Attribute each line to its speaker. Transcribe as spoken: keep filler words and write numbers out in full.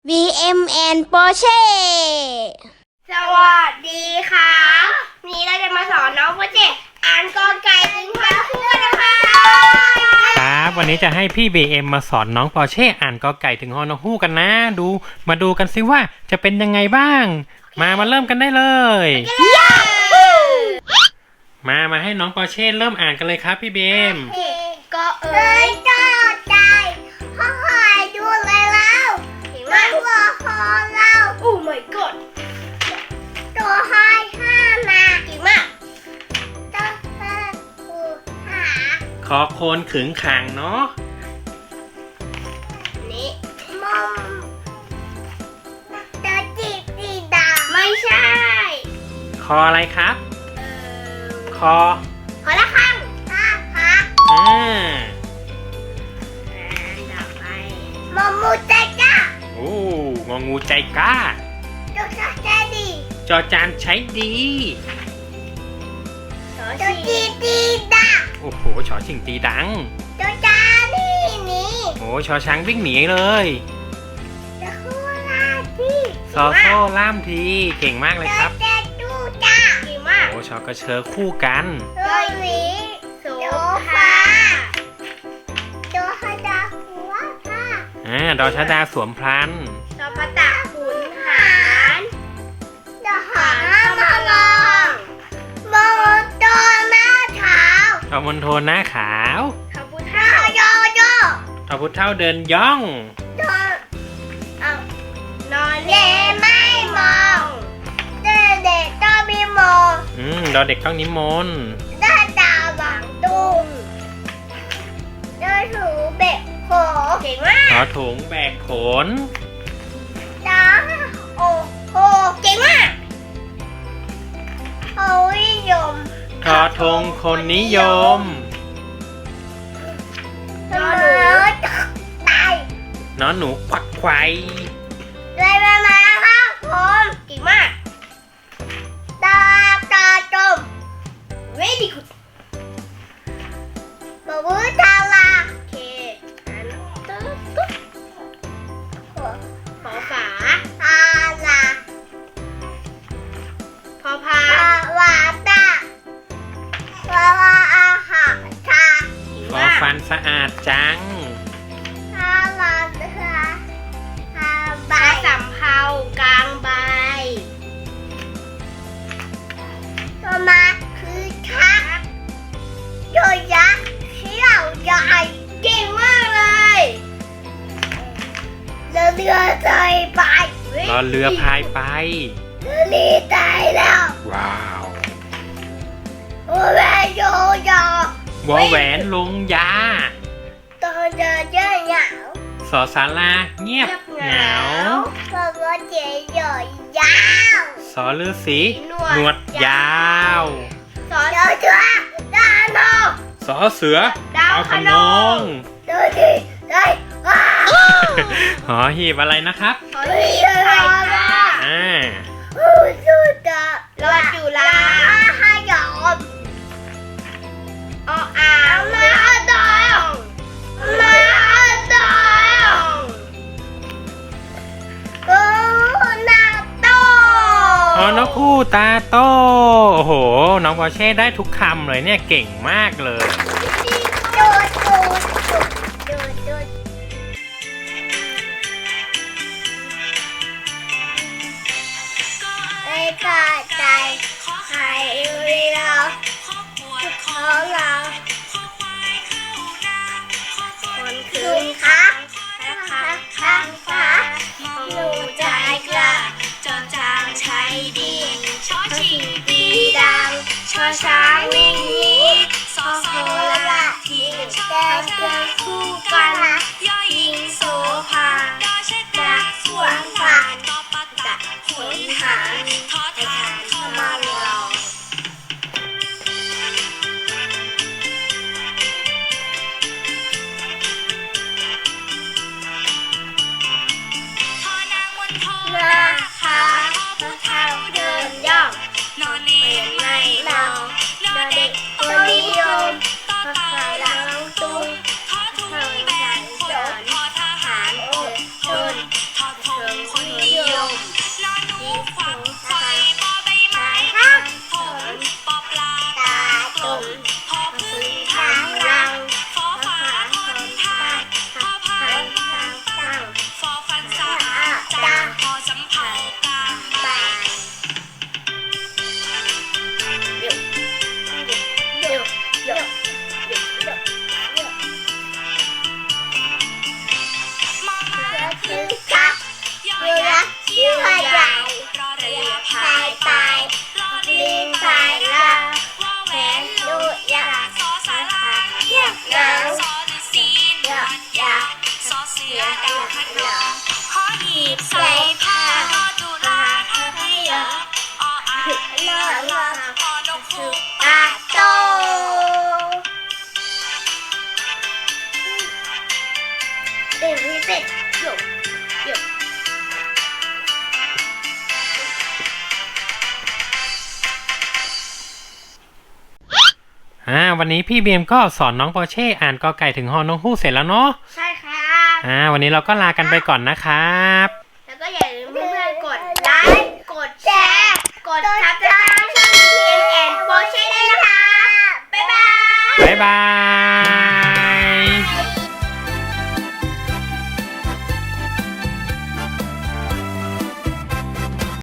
Speaker 1: วี เอ็ม แอนด์ Porsche
Speaker 2: สวัสดีค่ะวันนี้เราจะมาสอนน้องโปรเจอ่านกอไก่ถึงฮอนคู่กันนะคะ
Speaker 3: ครับวันนี้จะให้พี่ บี เอ็ม มาสอนน้องปอร์เช่อ่านกอไก่ถึงฮอนอฮู้กันนะดูมาดูกันซิว่าจะเป็นยังไงบ้างมามาเริ่มกันได้เลยมามาให้น้องปอร์เช่เริ่มอ่านกันเลยครับพี่ บี เอ็ม
Speaker 2: ก็เอ๋ยก็ใจพ่อหายดูเลยแล้วมาหัวคอเราโอ้ my god ตัวหายห้ามาเก่งมากตัวหาหูหา
Speaker 3: คอโคนขึงขังเนาะ
Speaker 2: นี่มอมตัวจีบสีดาไม่ใช่
Speaker 3: คออะไรครับคอ
Speaker 2: ขอละครั้งตาพัก
Speaker 3: อ่า
Speaker 2: ต่อไปมอมูใจก้า
Speaker 3: โอ้งองูใจกล้า
Speaker 2: ตัวชาใจดี
Speaker 3: จอจานใช้ดี
Speaker 2: ตัวจีดีดา
Speaker 3: โอ้โหชอชิงตีดัง
Speaker 2: ตัวจานี่นี่
Speaker 3: โอ้ชอช้างวิ่งหนีเลย
Speaker 2: ตัวคูลาจี
Speaker 3: ซอโซ่ล่ามทีเก่งมากเลยครับ
Speaker 2: ตัวเจดูจ้าเก่งมาก
Speaker 3: โอ้ชอกระเชอคู่กัน
Speaker 2: ตัวหวีโสภาตัวฮดาหัวผ้า
Speaker 3: อ่าดอชดาสวมพลัน
Speaker 2: ตัวพระตาขุนหารตัวหางมาลองมองตัวหน้าเท้า
Speaker 3: ทอมนโทนหน้าขาว
Speaker 2: ขบุเท่าโยโย่
Speaker 3: ทอพุทธเท่าเดินย่อง
Speaker 2: นอนเอานอนเล่ไม่มองเด็กเด็กต้องมีมอง
Speaker 3: อืมดอเด็กต้องนิมนต์
Speaker 2: ได้ดาวหวังตุ้งได้ถูเบ็ดโขเก่งมาก
Speaker 3: ทอถุงแบกขน
Speaker 2: ดาโอโหเก่งมากโอ้ยยม
Speaker 3: ทอทงคนนิยม
Speaker 2: นอนหนูตาย
Speaker 3: นอนหนูควักไขว
Speaker 2: เลยมามาครับผมเก่งมากตาตาจม very good บอกว่าทาราโอเคอันตึ๊ดตึ๊ดขอฝาทาราพอพาวาตาวาวาอาหาชา
Speaker 3: ฟอฟันสะอาดจัง
Speaker 2: ทาราเรือทาใบสำเภากลางใบตัวมาคือชักโยยักษ์เชี่ยวใหญ่เก่งมากเลยเรือเรือใจไป
Speaker 3: รอเรือพายไป
Speaker 2: เรือลีตายแล้ว
Speaker 3: ว้าว
Speaker 2: โอ้แม่โยโย่
Speaker 3: วอแหวนลงยา
Speaker 2: ตอนเดินเยอะเหงา
Speaker 3: สอสาราเงียบเหงา
Speaker 2: เพราะว่าเจ๋ยใหญ่ยาว
Speaker 3: สอฤาษีหนวดยาว
Speaker 2: สอนเจ้าเจ้าดานโน
Speaker 3: สอเสือ
Speaker 2: ดาว
Speaker 3: เอา
Speaker 2: พ
Speaker 3: ข
Speaker 2: น
Speaker 3: น
Speaker 2: อ
Speaker 3: อง ง
Speaker 2: ดูดิได้ว้าว
Speaker 3: หอหีบอะไรนะครับ
Speaker 2: เฮ้ยอะไรล่ะ
Speaker 3: อ่า
Speaker 2: โอ้สุดยอดรอจุฬาห้ายอมออ่างมาดองมาดองโอ้นาโต
Speaker 3: ฮอนอคู่ตาโตโอ้โห น้องปอร์เช่ได้ทุกคำเลยเนี่ยเก่งมากเลย
Speaker 2: ดูดูดูดูดูไม่กล้าใจใครเราของเราคนคืนคักคักข้างฟ้าหนูใจกล้าจอจางใช้ดีชอชิงปีดังชอช้างวิ่งหนีสอโซลา
Speaker 3: อ่าวันนี้พี่เบียมก็สอนน้องปอร์เช่อ่านกอไก่ถึงฮอนกฮูกเสร็จแล้วเนาะ
Speaker 2: ใช่ครับ
Speaker 3: อ่าวันนี้เราก็ลากันไปก่อนนะครับ
Speaker 2: แล้วก็อย่าลืมเพื่อนๆกดไลค์ กดแชร์ กดซั